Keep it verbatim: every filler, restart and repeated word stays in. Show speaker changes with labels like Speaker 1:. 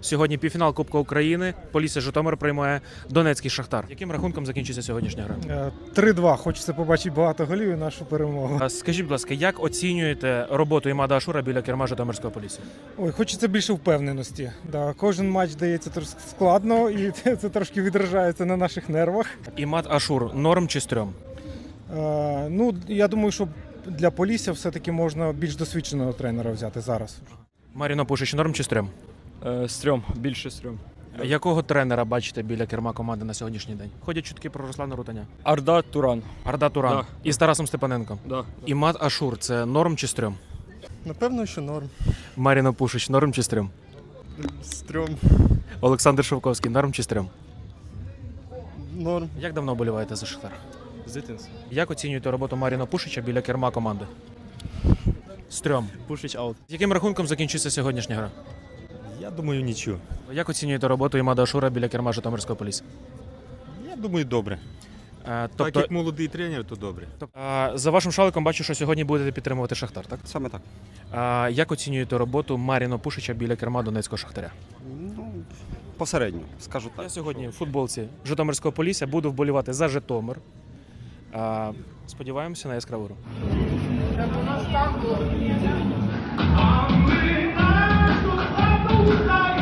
Speaker 1: Сьогодні півфінал Кубка України. Полісся Житомир приймає Донецький Шахтар. Яким рахунком закінчиться сьогоднішня гра?
Speaker 2: три-два. Хочеться побачити багато голів і нашу перемогу.
Speaker 1: А скажіть, будь ласка, як оцінюєте роботу Імада Ашура біля керма Житомирського Полісся?
Speaker 2: Ой, хочеться більше впевненості. Да, кожен матч дається трошки складно і це трошки відражається на наших нервах.
Speaker 1: Імад Ашур норм чи стрьом?
Speaker 2: Е, ну, я думаю, що для Полісся все-таки можна більш досвідченого тренера взяти зараз.
Speaker 1: Маріно Пушич норм чи стрьом?
Speaker 3: Е, стрьом, більше стрьом.
Speaker 1: Якого тренера бачите біля керма команди на сьогоднішній день? Ходять чутки про Руслана Рутаня.
Speaker 3: Арда Туран.
Speaker 1: Арда Туран
Speaker 3: Да.
Speaker 1: із Тарасом Степаненком.
Speaker 3: Да.
Speaker 1: Імад Ашур це норм чи стрьом?
Speaker 4: Напевно, що норм.
Speaker 1: Маріно Пушич норм чи стрьом?
Speaker 4: Стрьом.
Speaker 1: Олександр Шовковський норм чи стрьом?
Speaker 4: Норм.
Speaker 1: Як давно вболіваєте за Шахтар?
Speaker 4: З дитинства.
Speaker 1: Як оцінюєте роботу Маріна Пушича біля керма команди? Стрьом.
Speaker 4: Пушич аут.
Speaker 1: Яким рахунком закінчиться сьогоднішня гра?
Speaker 4: Я думаю, нічого.
Speaker 1: Як оцінюєте роботу Імада Ашура біля керма Житомирського Полісся?
Speaker 4: Я думаю, добре.
Speaker 1: Е,
Speaker 4: Так
Speaker 1: Тобто,
Speaker 4: як молодий тренер, то добре.
Speaker 1: е, за вашим шаликом бачу, що сьогодні будете підтримувати Шахтар, так?
Speaker 4: Саме так.
Speaker 1: Е, Як оцінюєте роботу Маріна Пушича біля керма Донецького Шахтаря?
Speaker 4: Ну, посередньо, скажу так.
Speaker 1: Я сьогодні в футболці Житомирського Полісся буду вболівати за Житомир. Е, Сподіваємося на яскраву гру.
Speaker 5: А ми нашу хату